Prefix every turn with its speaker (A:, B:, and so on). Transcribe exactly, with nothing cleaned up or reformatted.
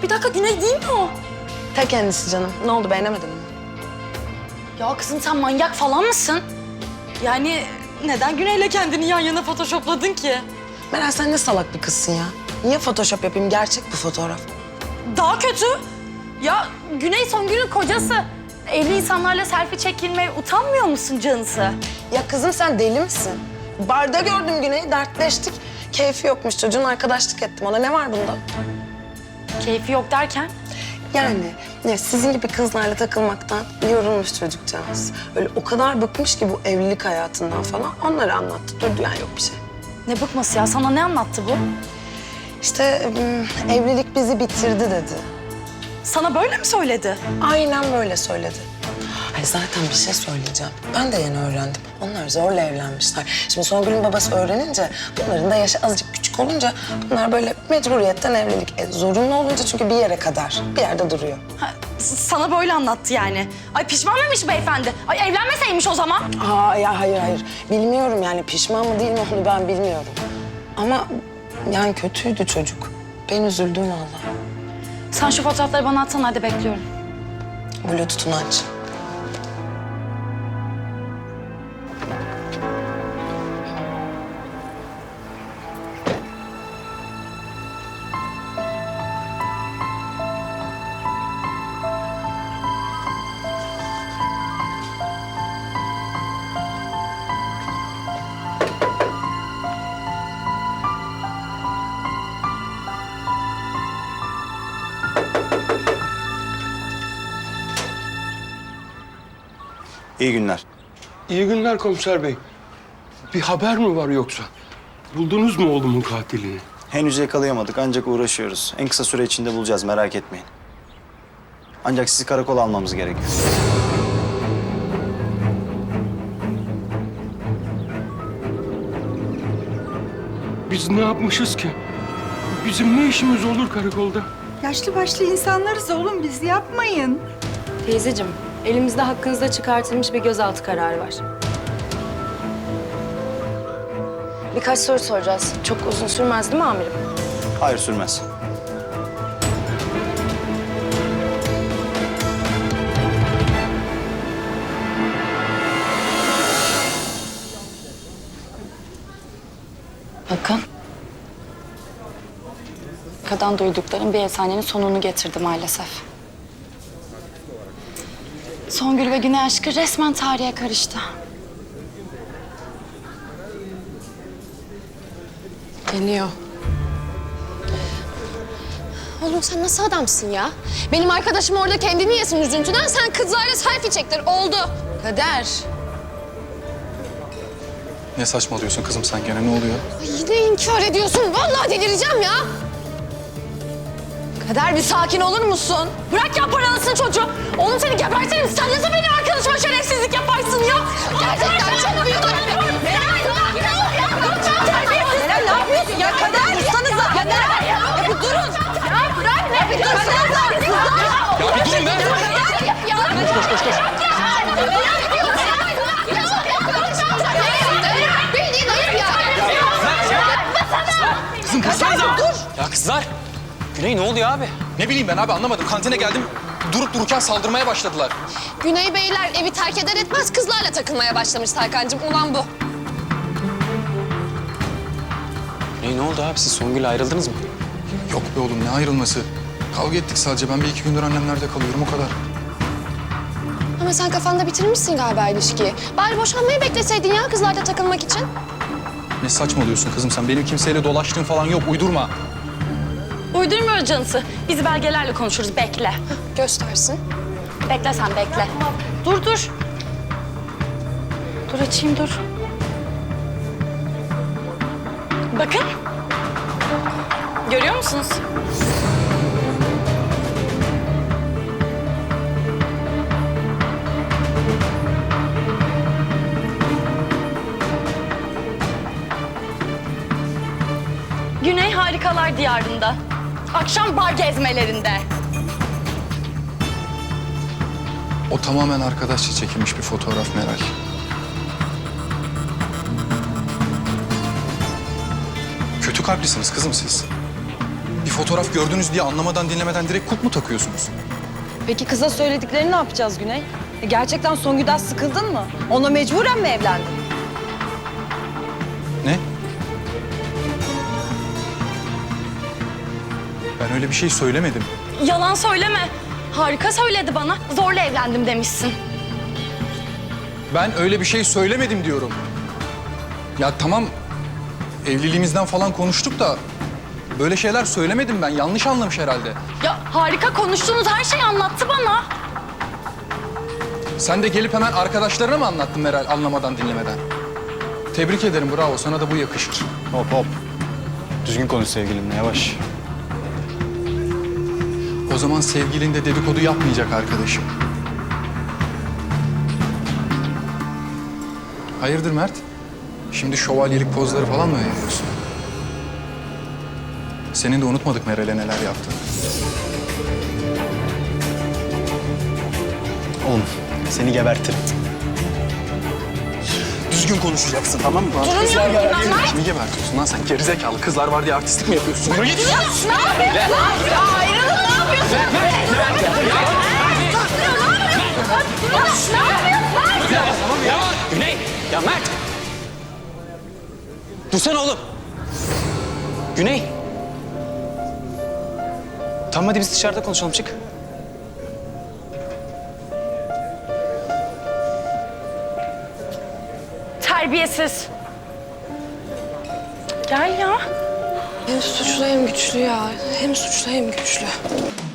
A: Bir dakika, Güney değil mi o?
B: Ta kendisi canım. Ne oldu, beğenemedin mi?
A: Ya kızım sen manyak falan mısın? Yani neden Güney'le kendini yan yana photoshopladın ki?
B: Meral sen ne salak bir kızsın ya. Niye photoshop yapayım? Gerçek bu fotoğraf.
A: Daha kötü. Ya Güney Songül'ün kocası. Evli insanlarla selfie çekilmeye utanmıyor musun canısı?
B: Ya kızım sen deli misin? Barda gördüm Güney'i, dertleştik. Keyfi yokmuş çocuğun, arkadaşlık ettim ona. Ne var bunda?
A: Keyfi yok derken?
B: Yani ne, sizin gibi kızlarla takılmaktan yorulmuş çocukcağız. Öyle o kadar bıkmış ki bu evlilik hayatından falan. Onları anlattı. Durdu yani, yok bir şey.
A: Ne bıkması ya? Sana ne anlattı bu?
B: İşte ım, evlilik bizi bitirdi dedi.
A: Sana böyle mi söyledi?
B: Aynen böyle söyledi. Ay zaten bir şey söyleyeceğim. Ben de yeni öğrendim. Onlar zorla evlenmişler. Şimdi Songül'ün babası öğrenince, bunların da yaşı azıcık küçük olunca bunlar böyle mecburiyetten evlilik. E, zorunlu olunca çünkü bir yere kadar, bir yerde duruyor.
A: Ha, s- sana böyle anlattı yani. Ay pişman mıymış beyefendi? Ay evlenmeseymiş o zaman.
B: Aa ya hayır hayır. Bilmiyorum yani pişman mı değil mi onu ben bilmiyorum. Ama yani kötüydü çocuk. Ben üzüldüm vallahi.
A: Sen şu fotoğrafları bana atsana, hadi bekliyorum.
B: Bluetooth'unu aç.
C: İyi günler.
D: İyi günler komiser bey. Bir haber mi var yoksa? Buldunuz mu oğlumun katilini?
C: Henüz yakalayamadık ancak uğraşıyoruz. En kısa süre içinde bulacağız, merak etmeyin. Ancak sizi karakola almamız gerekiyor.
D: Biz ne yapmışız ki? Bizim ne işimiz olur karakolda?
E: Yaşlı başlı insanlarız oğlum, biz yapmayın.
F: Teyzeciğim, elimizde hakkınızda çıkartılmış bir gözaltı kararı var. Birkaç soru soracağız. Çok uzun sürmez değil mi amirim?
C: Hayır, sürmez.
A: Bakın. Arkadan duyduklarım bir efsanenin sonunu getirdi maalesef. Songül ve Güney aşkı resmen tarihe karıştı.
F: Deniyor.
G: Oğlum sen nasıl adamsın ya? Benim arkadaşım orada kendini yesin üzüntüden, sen kızlarla selfie çektir. Oldu.
F: Kader.
H: Ne saçmalıyorsun kızım sen gene, ne oluyor?
G: Ay yine inkar ediyorsun. Vallahi delireceğim ya.
F: Kader bir sakin olur musun?
A: Bırak ya paralısın çocuğu. Oğlum seni gebertirim. Sen nasıl benim arkadaşıma şerefsizlik yaparsın ya?
G: Gerçekten çok büyük ayıp.
F: Meral ne yapıyorsun ya? Kader dursanıza. Ya Meral ya. Ya bir durun. Ya bırak ne? Bir dursanıza.
H: Ya bir durun be!
G: Koş koş koş. Bildiğin ayıp ya.
H: Kızım kızsanıza! Dur! Ya kızlar! Güney ne oluyor abi? Ne bileyim ben abi, anlamadım. Kantine geldim, durup dururken saldırmaya başladılar.
G: Güney Beyler evi terk eder etmez kızlarla takılmaya başlamış Tarkan'cığım. Ulan bu.
H: Güney ne oldu abi? Siz Songül'le ayrıldınız mı? Yok be oğlum, ne ayrılması? Kavga ettik sadece. Ben bir iki gündür annemlerde kalıyorum, o kadar.
G: Ama sen kafanda bitirmişsin galiba ilişkiyi. Bari boşanmayı bekleseydin ya kızlarla takılmak için.
H: Ne saçmalıyorsun kızım sen? Benim kimseyle dolaştığım falan yok, uydurma.
A: Uydurmuyoruz canısı. Biz belgelerle konuşuruz. Bekle.
G: Göstersin.
A: Bekle sen bekle. Dur dur. Dur açayım dur. Bakın. Görüyor musunuz? Güney Harikalar Diyarı'nda. Akşam bar gezmelerinde.
H: O tamamen arkadaşça çekilmiş bir fotoğraf Meral. Kötü kalplisiniz kızım siz. Bir fotoğraf gördünüz diye anlamadan dinlemeden direkt kulp mu takıyorsunuz?
F: Peki kıza söylediklerini ne yapacağız Güney? E, gerçekten Songül'den sıkıldın mı? Ona mecburen mi evlendin?
H: Ne? Ben öyle bir şey söylemedim.
A: Yalan söyleme. Harika söyledi bana. Zorla evlendim demişsin.
H: Ben öyle bir şey söylemedim diyorum. Ya tamam, evliliğimizden falan konuştuk da böyle şeyler söylemedim ben. Yanlış anlamış herhalde.
A: Ya harika konuştuğunuz her şeyi anlattı bana.
H: Sen de gelip hemen arkadaşlarına mı anlattın Meral anlamadan dinlemeden? Tebrik ederim, bravo. Sana da bu yakışır.
C: Hop hop. Düzgün konuş sevgilimle, yavaş.
H: O zaman sevgilin de dedikodu yapmayacak arkadaşım. Hayırdır Mert? Şimdi şövalyelik pozları falan mı veriyorsun? Senin de unutmadık Meral'e neler yaptığını.
C: Oğlum seni gebertirim. Düzgün konuşacaksın, tamam mı?
A: Durun ya bunlar.
H: Kimi gebertiyorsun lan sen? Gerizekalı kızlar var diye artistlik mi yapıyorsun? Yürü git!
A: Ne yapıyorsun? Ya ayrılın ne yapıyorsun? Ne yapıyorsun?
C: Güney! Ya Mert! Dursana oğlum! Güney! Tamam hadi biz dışarıda konuşalım, çık.
A: Terbiyesiz. Gel ya.
G: Hem suçlu hem güçlü ya. Hem suçlu hem güçlü.